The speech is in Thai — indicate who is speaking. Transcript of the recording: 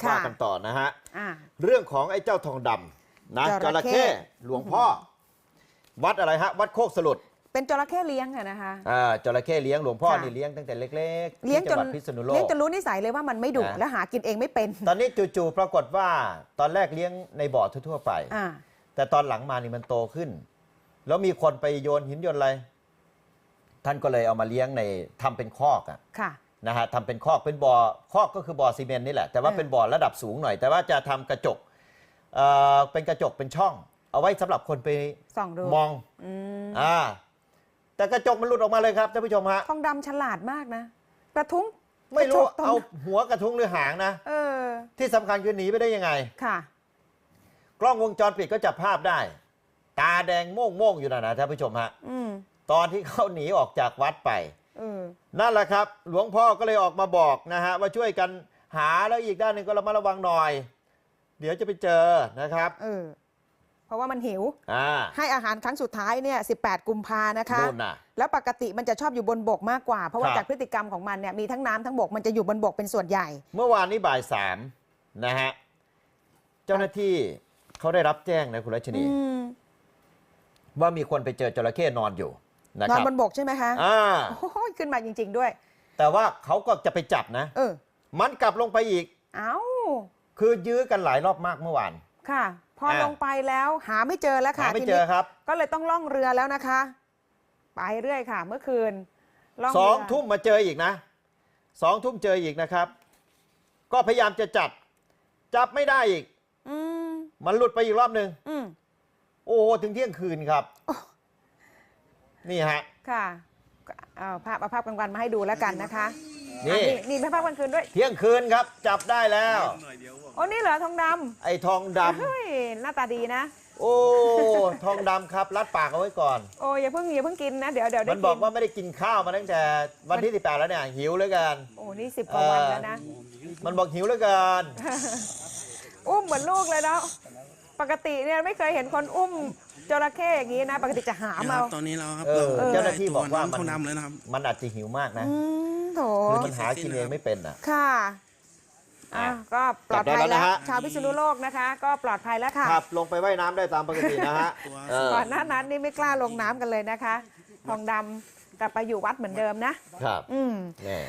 Speaker 1: ว่ากันต่อนะฮะ
Speaker 2: อ่า
Speaker 1: เรื่องของไอ้เจ้าทองดำนะจระเข้หลวงพ่อ วัดอะไรฮะวัดโคกสลุด
Speaker 2: เป็นจระเข้เลี้ยงอะนะคะ
Speaker 1: จระเข้เลี้ยงหลวงพ่อ
Speaker 2: ค่ะ
Speaker 1: นี่เลี้ยงตั้งแต่เล็กๆ
Speaker 2: เลี้ยง
Speaker 1: ที่
Speaker 2: จ
Speaker 1: จังห
Speaker 2: น
Speaker 1: วัดพิษณุโลก
Speaker 2: เลี้ยงจนรู้นิสัยเลยว่ามันไม่ดุ
Speaker 1: นะ
Speaker 2: และหากินเองไม่เป็น
Speaker 1: ตอนนี้จู่ๆปรากฏว่าตอนแรกเลี้ยงในบ่อทั่วๆไป
Speaker 2: อ่า
Speaker 1: แต่ตอนหลังมานี่มันโตขึ้น แล้วมีคนไปโยนหินโยนอะไร ท่านก็เลยเอามาเลี้ยงในทำเป็นคอกอะ
Speaker 2: ค่ะ
Speaker 1: นะฮะทำเป็นคอกเป็นบ่อคอกก็คือบ่อซีเมนต์นี่แหละแต่ว่าเป็นบ่อระดับสูงหน่อย แต่ว่าจะทำกระจกเป็นกระจกเป็นช่อง เอาไว้สำหรับคนไป
Speaker 2: ส่องดู
Speaker 1: มองแต่กระจกมันหลุดออกมาเลยครับท่านผู้ชมฮะ
Speaker 2: ทองดำฉลาดมากนะกระทุ้ง
Speaker 1: ไม่รู้
Speaker 2: กะจกตง
Speaker 1: เอาหัวกระทุ้งหรือหางนะ
Speaker 2: เออ
Speaker 1: ที่สำคัญคือหนีไปได้ยังไง
Speaker 2: ค่ะ
Speaker 1: กล้องวงจรปิดก็จับภาพได้ ตาแดงโม่งๆอยู่นะท่านผู้ชมฮะ
Speaker 2: อืม
Speaker 1: ตอนที่เขาหนีออกจากวัดไป
Speaker 2: เออ
Speaker 1: นั่นแหละครับ หลวงพ่อก็เลยออกมาบอกนะฮะว่าช่วยกันหาแล้วอีกด้านหนึ่งก็ระมัดระวังหน่อย เดี๋ยวจะไปเจอนะครับ
Speaker 2: เออ เพราะว่ามันหิว
Speaker 1: อ่า
Speaker 2: ให้อาหารครั้งสุดท้ายเนี่ย18 กุมภานะคะ
Speaker 1: นู่นน่ะ
Speaker 2: แล้วปกติมันจะชอบอยู่บนบกมากกว่า เพราะว่า
Speaker 1: ครับ
Speaker 2: จากพฤติกรรมของมันเนี่ยมีทั้งน้ำทั้งบกมันจะอยู่บนบกเป็นส่วนใหญ่
Speaker 1: เมื่อวานนี้บ่ายสามนะฮะเจ้าหน้าที่เขาได้รับแจ้งนะคุณรัชนี ว่ามีคนไปเจอจระเข้นอนอยู่นะ
Speaker 2: น
Speaker 1: ค
Speaker 2: อน
Speaker 1: รับบ
Speaker 2: นบกใช่ไหมคะ
Speaker 1: อ่า
Speaker 2: โอ้ยขึ้นมาจริง ๆ ด้วย
Speaker 1: แต่ว่าเขาก็จะไปจับนะ
Speaker 2: เออ
Speaker 1: มันกลับลงไปอีก
Speaker 2: เอ้า
Speaker 1: คือยื้อกันหลายรอบมากเมื่อวาน
Speaker 2: ค่ะ พอ
Speaker 1: อ่ะ
Speaker 2: ลงไปแล้วหาไม่เจอแล้วค่ะ
Speaker 1: หาไม่
Speaker 2: ที
Speaker 1: เจ
Speaker 2: นี้
Speaker 1: อครับ
Speaker 2: ก็เลยต้องล่องเรือแล้วนะคะ ไปเรื่อยค่ะ เมื่อคืนล่อง
Speaker 1: สอง
Speaker 2: เรือ
Speaker 1: ทุ่มมาเจออีกนะ2 ทุ่มเจออีกนะครับ ก็พยายามจะจับไม่ได้อีก
Speaker 2: อืม
Speaker 1: มันหลุดไปอีกรอบหนึ่ง
Speaker 2: อืม
Speaker 1: โอ้โหถึงเที่ยงคืนครับ นี่ฮะ
Speaker 2: ค่ะเอาภาพกลางวันมาให้ดูแล้วกันนะคะ
Speaker 1: นี่
Speaker 2: อ่ะนี่ภาพกลางคืนด้วย
Speaker 1: เที่ยงคืนครับจับได้แล้ว
Speaker 2: โอ้นี่เหรอทองด
Speaker 1: ไอ้ทองด
Speaker 2: ำเฮ้ยหน้าตาดีนะ
Speaker 1: ำโอ้ทองดำครับรัดปากเอาไว้ก่อน
Speaker 2: โอ้อย่าเพิ่งกินนะเดี๋ยวได้
Speaker 1: มัน
Speaker 2: กิน
Speaker 1: บอกว่าไม่ได้กินข้าวมาตั้งแต่วันที่18แล้วเนี่ยหิวเหลือเกิน
Speaker 2: โอ้นี่10 กว่าวันแล้วนะ
Speaker 1: มันบอกหิวเหลือเกิน
Speaker 2: อุ้มเหมือนลูกเลยเนาะปกติเนี่ยไม่เคยเห็นคนอุ้มจระเข้อย่างนี้นะ ปกติจะหามเอา
Speaker 3: ตอนนี้เราครับ
Speaker 1: เจ้าหน้าที่บอกว่า
Speaker 3: น้ำเขานำเลยนะครับ
Speaker 1: มันอาจจะหิวมากนะ
Speaker 2: โถ
Speaker 1: คือมันหากินเองไม่เป็นอ่ะ
Speaker 2: ค่ะก็ปลอดภัย
Speaker 1: จับได้แล้ว
Speaker 2: แล้ว
Speaker 1: นะฮะ
Speaker 2: ชาวพิษณุโลกนะคะ ก็ปลอดภัยแล้วค่ะ
Speaker 1: ครับลงไปว่ายน้ำได้ตามปกตินะฮะเออ
Speaker 2: ก่อนหน้านั้นนี่ไม่กล้าลงน้ำกันเลยนะคะ ทองดำกลับไปอยู่วัดเหมือนเดิมนะ
Speaker 1: ครับ
Speaker 2: อืม
Speaker 1: นี่